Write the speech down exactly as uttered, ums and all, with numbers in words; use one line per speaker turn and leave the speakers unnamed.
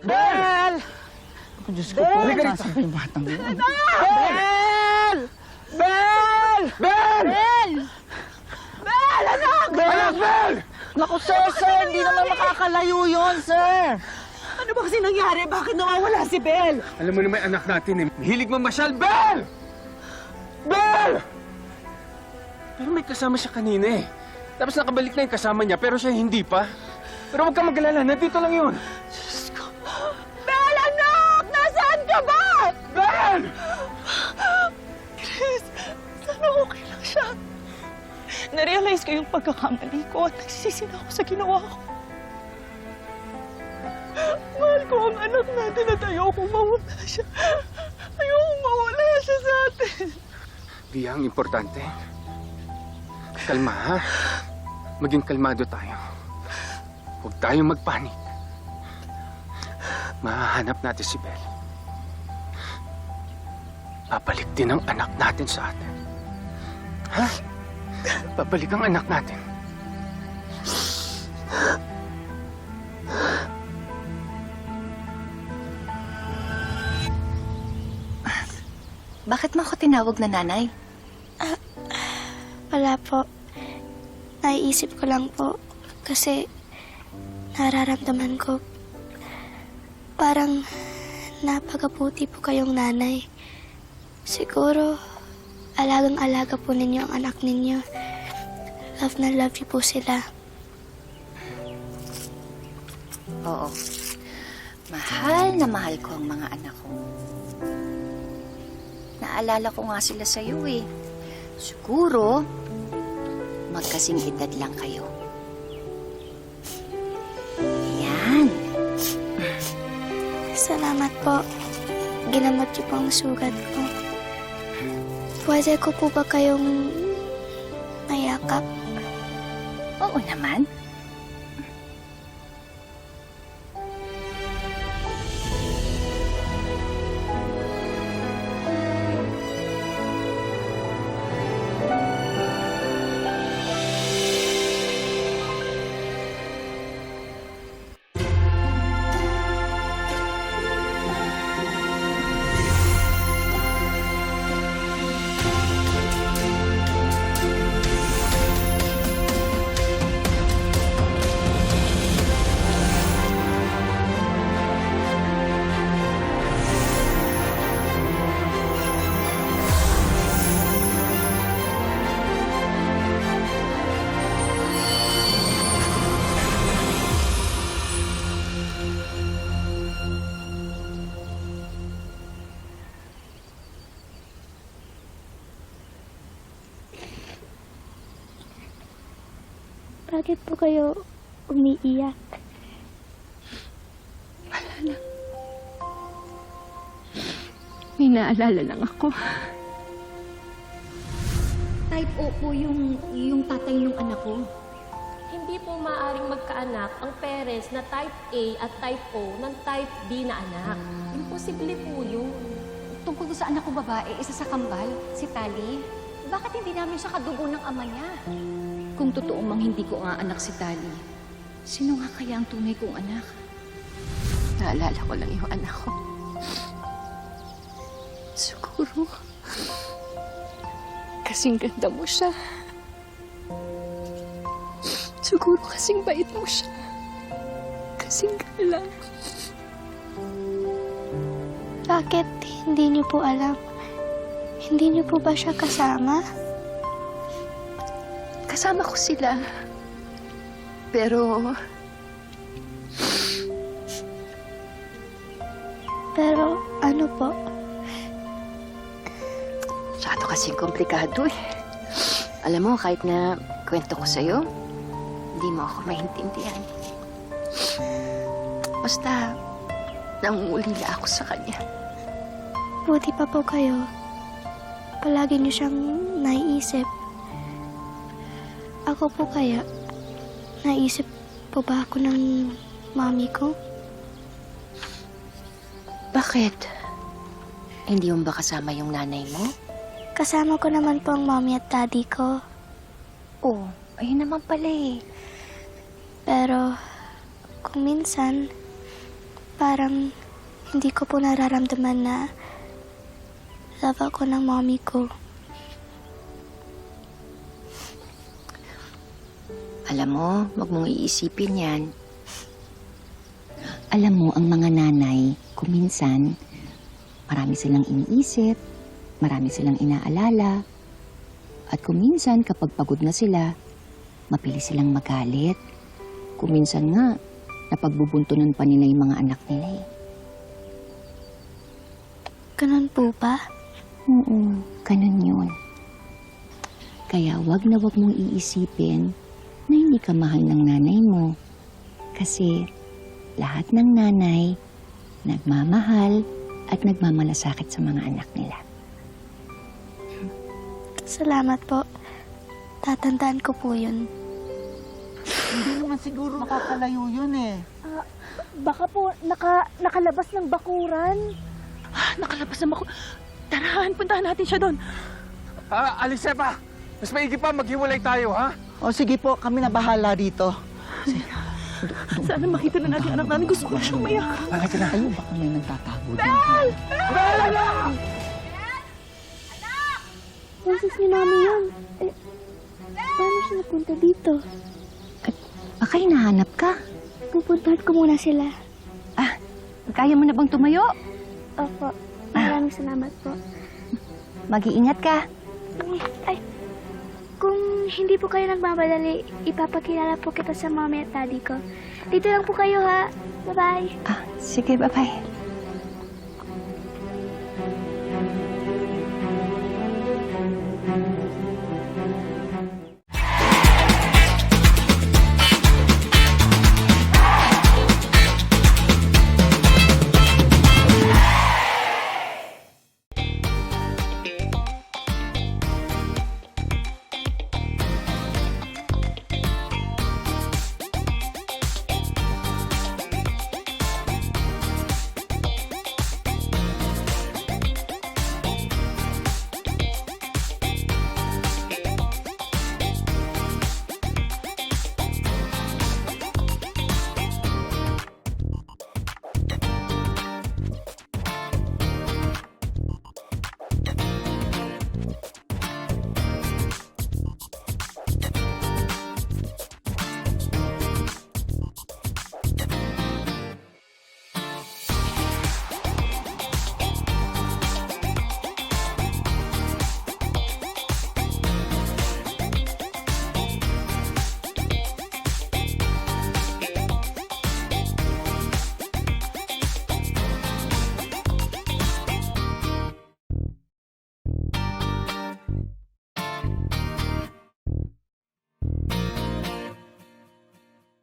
Bel!
Ako, Diyos ko po.
Bel!
Nasaan pa yung batang yun?
Bel! Bel! Bel!
Bel!
Bel! Anak! Bel! Anak, Bel!
Naku, sir, sir! Hindi naman makakalayo yun, sir!
Ano ba kasi nangyari? Bakit nawawala si Bel?
Alam mo naman anak natin eh. Hilig mamasyal, Bel! Bel! Pero may kasama siya kanina eh. Tapos nakabalik na yung kasama niya, pero siya hindi pa. Pero huwag kang mag-alala, nandito lang yun.
Diyos ko. Bel, anak! Nasaan ka ba? Bel!
Chris, sana okay lang siya. Narealize ko yung pagkakamali ko at nagsisisi na ako sa ginawa ko. Mahal ko ang anak natin at ayokong mawala siya. Ayokong mawala siya sa atin.
Bia, ang importante. Kalma, ha? Maging kalmado tayo. Huwag tayong magpanik. Mahahanap natin si Bel. Babalik din ang anak natin sa atin. Ha? Babalik ang anak natin.
Bakit mo ako tinawag na nanay?
Ah, wala po. Naiisip ko lang po. Kasi nararamdaman ko parang napakabuti po kayong nanay. Siguro alagang-alaga po ninyo ang anak ninyo. Love na love you po sila.
Oo. Mahal na mahal ko ang mga anak ko. Naalala ko nga sila sa'yo eh. Siguro, magkasing edad lang kayo. Yan.
Salamat po. Ginamot niyo po ang sugat ko. Pwede ko po ba kayong mayakap?
Oo naman.
Bakit po kayo umiiyak?
May naalala lang ako.
Type O po yung, yung tatay ng anak ko.
Hindi po maaaring magkaanak ang parents na type A at type O ng type B na anak. Imposible po yun.
Tungkol doon sa anak ko babae, isa sa kambal, si Tali. Bakit hindi namin siya kadugo ng ama niya?
Kung totoo mang hindi ko nga anak si Tali, sino nga kaya ang tunay kong anak? Naalala ko lang yung anak ko. Siguro, kasing ganda mo siya. Siguro kasing bait mo siya. Kasing galang.
Bakit hindi niyo po alam? Hindi niyo po ba siya kasama?
Kasama ko sila. Pero,
Pero ano po?
masyado kasing komplikado eh. Alam mo, kahit na kwento ko sa'yo, hindi mo ako maintindihan. Basta, nangungulila ako sa kanya.
Buti pa po kayo. Palagi niyo siyang naiisip. Ako po kaya, naisip po ba ako ng mami ko?
Bakit? Hindi mo ba kasama yung nanay mo?
Kasama ko naman po ang mommy at daddy ko.
Oo, ayun naman pala eh.
Pero, kung minsan, parang hindi ko po nararamdaman na love ako ng mommy ko.
Alam mo, wag mong iisipin yan. Alam mo, ang mga nanay, kuminsan, marami silang iniisip, marami silang inaalala, at kuminsan, kapag pagod na sila, mabilis silang magalit. Kuminsan nga, napagbubuntunan pa nila yung mga anak nila eh.
Ganun po ba?
Oo, ganun yun. Kaya wag na wag mong iisipin na hindi ka mahal ng nanay mo. Kasi lahat ng nanay nagmamahal at nagmamalasakit sa mga anak nila.
Salamat po. Tatandaan ko po yun.
Hindi naman siguro makakalayo yun eh.
Baka po naka, nakalabas ng bakuran.
Ah, nakalabas na ako. Tarahan, puntahan natin siya doon.
Ah, Alisepa! Mas maigi pa, maghiwalay tayo, ha?
O sige po, kami na bahala dito.
Sana makita na natin anak namin. Gusto ko siyang mayak.
Bakit ka na?
Ayun, baka may nagtatago dyan.
Boses ni mami yun. Eh, paano siya napunta dito?
Baka hinahanap ka.
Pupuntahan ko muna sila.
Kaya mo na bang tumayo?
Opo. Maraming salamat po.
Mag-iingat ka.
Ay, kung hindi po kayo nagmamadali, ipapakilala po kita sa mommy at daddy ko. Dito lang po kayo ha. Bye-bye.
Ah, sige, bye-bye.